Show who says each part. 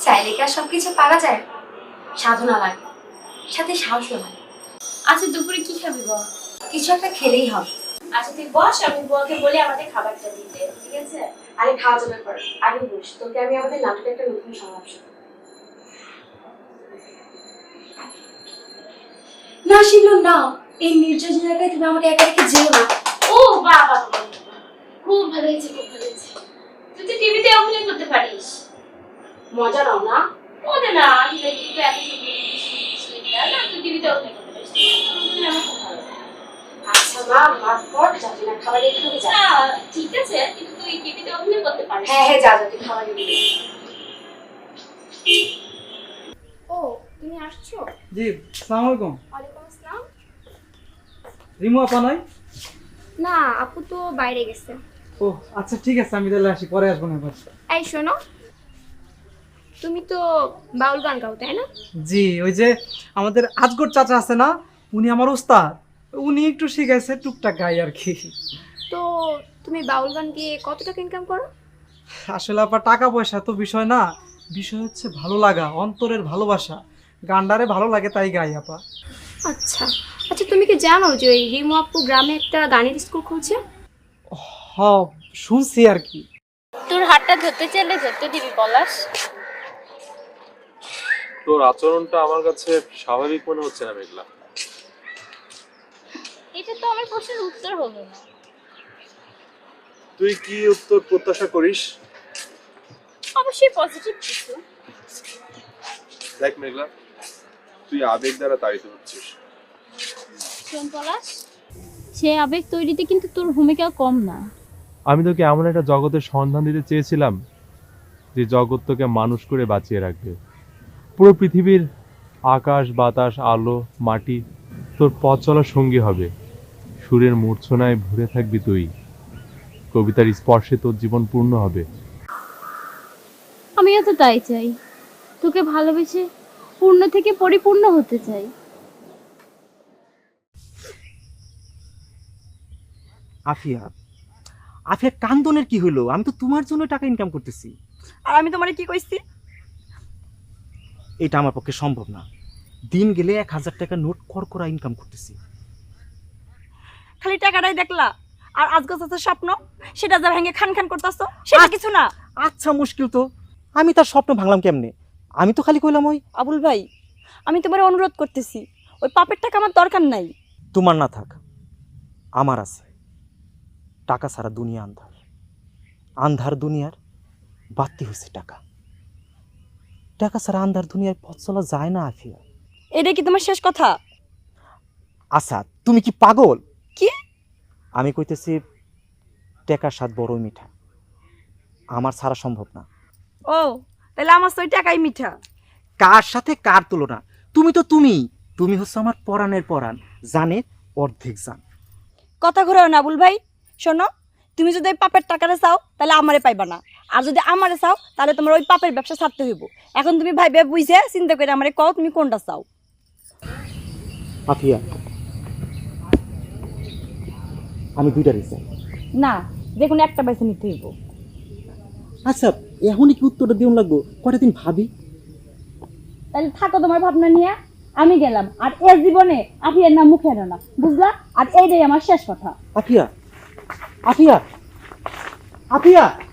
Speaker 1: চাইলে কি আর সবকিছু পারা যায়? সাধনা লাগে, সাথে সাহসও লাগে।
Speaker 2: আচ্ছা দুপুরে কি খাবি বল?
Speaker 1: কিছু একটা খেলেই হবে।
Speaker 2: আচ্ছা তুই বস, আমি বউকে বলি আমাদের খাবারটা দিতে, ঠিক আছে?
Speaker 1: আরে খাওয়া যাবে পর, আগে বস, তোকে আমি আমাদের নাটকের একটা নতুন সংলাপ শোনাবো। না শিমুল না, এই নির্জন জায়গায় তুমি আমাকে একা রেখে যেও না।
Speaker 2: ও বাবা, খুব ভালো হয়েছে, খুব ভালো হয়েছে। তুই তো টিভিতে অভিনয় করতে পারিস।
Speaker 1: মজা নাও না?
Speaker 2: মজা না, আমি কিন্তু এত না, তুই টিভিতে অভিনয় করতে পারিস। আমার খুব ভালো লাগে।
Speaker 1: আচ্ছা মা, ভাত পর যাবি না, খাবার রেডি হবে যা।
Speaker 2: না ঠিক আছে, কিন্তু তুই টিভিতে অভিনয় করতে পারিস।
Speaker 1: হ্যাঁ হ্যাঁ, যা যা, তুই খাবার রেডি।
Speaker 2: ও তুমি আসছো?
Speaker 3: জি, আসসালামু আলাইকুম।
Speaker 2: ওয়ালাইকুম আসসালাম।
Speaker 3: রিমু আপা নাই?
Speaker 2: না, আপু তো বাইরে গেছে।
Speaker 3: ও আচ্ছা ঠিক আছে, আমি তাহলে আসি, পরে আসবো না এবার।
Speaker 2: এই শোনো, তুমি তো বাউল গান গাও তাই না?
Speaker 3: জি, ওই যে আমাদের আজগর চাচা আছে না, উনি আমার উস্তাদ, উনি একটু শিখাইছে, টুকটাক গাই আর কি।
Speaker 2: তো তুমি বাউল গান গিয়ে কত টাকা ইনকাম করো?
Speaker 3: আসলে আপা টাকা পয়সা তো বিষয় না, বিষয় হচ্ছে ভালো লাগা, অন্তরের ভালোবাসা। গান্ডারে ভালো লাগে তাই গাই আপা।
Speaker 2: আচ্ছা আচ্ছা, তুমি কি জানো যে ওই রিমু আপু গ্রামে একটা গানের স্কুল খুলছে?
Speaker 3: হ, শুনছি আর কি।
Speaker 2: তোর হাতটা ধরতে চাইলে ধরতে দিবি পলাশ।
Speaker 4: তোর আচরণটা আমার কাছে স্বাভাবিক মনে হচ্ছে না মেঘলা।
Speaker 2: এটা তো আমার প্রশ্নের উত্তর হলো না।
Speaker 4: তুই কি উত্তর প্রত্যাশা করিস?
Speaker 2: অবশ্যই পজিটিভ কিছু।
Speaker 4: দেখ মেঘলা, তুই আবেগ দ্বারা তাড়িত হচ্ছিস।
Speaker 5: শোন পলাশ, সে আবেগ তৈরিতে কিন্তু তোর ভূমিকা কম না।
Speaker 4: আমি তোকে এমন একটা জগতের সন্ধান দিতে চেয়েছিলাম যে জগৎ তোকে মানুষ করে বাঁচিয়ে রাখবে। পুরো পৃথিবীর আকাশ বাতাস আলো মাটি তোর পথ চলার সঙ্গী হবে। সুরের মূর্ছনায় ভরে থাকবি তুই, কবিতার স্পর্শে তোর জীবন পূর্ণ হবে।
Speaker 5: আমিও তো তাই চাই, তোকে ভালোবেসে পূর্ণ থেকে পরিপূর্ণ হতে চাই।
Speaker 6: আফিয়া, আফিয়া কান্দনের কি হলো? আমি তো তোমার জন্য টাকা ইনকাম করতেছি।
Speaker 7: আর আমি তোমারে কি কইছি?
Speaker 6: এটা আমার পক্ষে সম্ভব না। দিন গেলে 1000 টাকা নোট করা ইনকাম করতেছি।
Speaker 7: খালি টাকাটাই দেখলা, আর আজকে চাচার স্বপ্ন সেটা যা ভেঙে খান খান করতেছো, সেটা কিছু না।
Speaker 6: আচ্ছা মুশকিল তো, আমি তার স্বপ্ন ভাঙলাম কেমনে? আমি তো খালি কইলাম ওই।
Speaker 7: আবুল ভাই, আমি তোমার অনুরোধ করতেছি, ওই পাপের টাকা আমার দরকার নাই।
Speaker 6: তোমার না থাক, আমার আছে। টাকা ছাড়া দুনিয়া আন্ধার, আন্ধার দুনিয়ার বাতি হয়েছে টাকা। টাকা ছাড়া আন্ধার দুনিয়ার পথ চলা যায় না আফিয়া।
Speaker 7: এটা কি তোমার শেষ কথা?
Speaker 6: আচ্ছা তুমি কি পাগল?
Speaker 7: কি?
Speaker 6: আমি কইতেছি টাকার স্বাদ বড়ই মিঠা, আমার ছাড়া সম্ভব না।
Speaker 7: ও তাহলে আমার তো ওই টাকাই মিঠা।
Speaker 6: কার সাথে কার তুলনা? তুমি তো তুমি হচ্ছে আমার পরাণের পরাণ, জানের অর্ধেক জান।
Speaker 7: কথা ঘুরাও না আবুল ভাই। শোনো, তুমি যদি ওই পাপের টাকাটা চাও তাহলে আমারে পাইবা না, আর যদি আমারে চাও তাহলে তোমার ওই পাপের ব্যবসা ছাড়তে হইব। এখন তুমি ভাইবে বুঝে চিন্তা করে আমারে কও তুমি কোনটা চাও।
Speaker 6: আফিয়া, আমি দুইটারই চাই।
Speaker 7: না, যে কোনো একটা বেছে নিতে হইব।
Speaker 6: আচ্ছা এখনই কি উত্তরটা দিন লাগবো? কয়টা দিন ভাবি।
Speaker 5: তাহলে থাকো তোমার ভাবনা নিয়ে, আমি গেলাম। আর এর জীবনে আফিয়ার নাম মুখে এনো না, বুঝলা? আর এইটাই আমার শেষ কথা।
Speaker 6: আফিয়া, আফিয়া, আফিয়া।